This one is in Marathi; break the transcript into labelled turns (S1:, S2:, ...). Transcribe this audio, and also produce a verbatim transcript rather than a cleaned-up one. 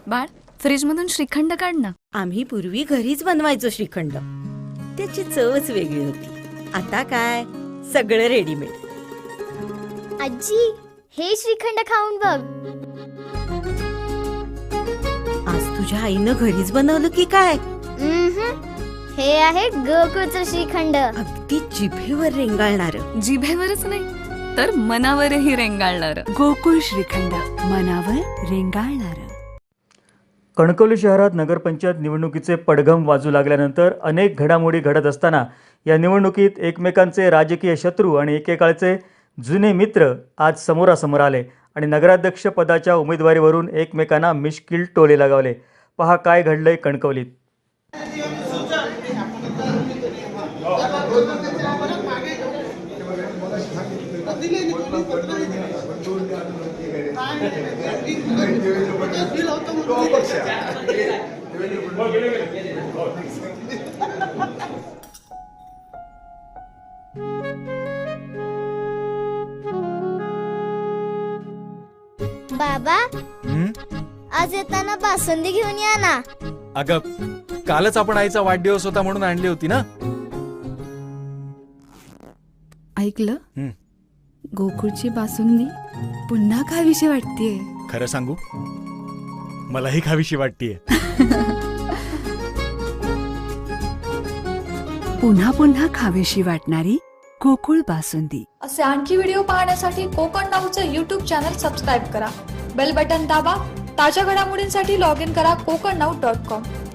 S1: बाळ, फ्रीज मधून श्रीखंड काढ ना.
S2: आम्ही पूर्वी घरीच बनवायचो श्रीखंड. त्याची चवच वेगळी होती. आता काय सगळं रेडीमेड.
S3: आजी, हे श्रीखंड खाऊन बघ.
S2: आज तुझ्या आईनं घरीच बनवलं की काय?
S3: उम्हम. हे आहे गोकुळचं श्रीखंड.
S2: अगदी जिभेवर रेंगाळणार.
S1: जिभेवरच नाही तर मनावरही रेंगाळणार.
S4: गोकुळ श्रीखंड, मनावर रेंगाळणार.
S5: कणकवली शहरात नगरपंचायत निवडणुकीचे पडघम वाजू लागल्यानंतर अनेक घडामोडी घडत असताना या निवडणुकीत एकमेकांचे राजकीय शत्रू आणि एकेकाळचे जुने मित्र आज समोरासमोर आले आणि नगराध्यक्ष पदाच्या उमेदवारीवरून एकमेकांना मिश्किल टोले लगावले. पहा काय घडलंय कणकवलीत.
S3: बाबा, आज येताना बासुंदी घेऊन या ना.
S6: अगं, कालच आपण आईचा वाढदिवस होता म्हणून आणली होती ना.
S4: ऐकलं? गोकुळची बासुंदी पुन्हा खावीशी वाटतेय.
S6: खरं सांगू, मलाही खावीशी वाटतेय.
S4: पुन्हा पुन्हा खावीशी वाटणारी गोकुळ बासुंदी.
S7: असे आणखी व्हिडिओ पाहण्यासाठी कोकण नाऊचं यूट्यूब चॅनल सबस्क्राईब करा. बेल बटन दाबा. ताज्या घडामोडींसाठी लॉग इन करा कोकण नाऊ डॉट कॉम.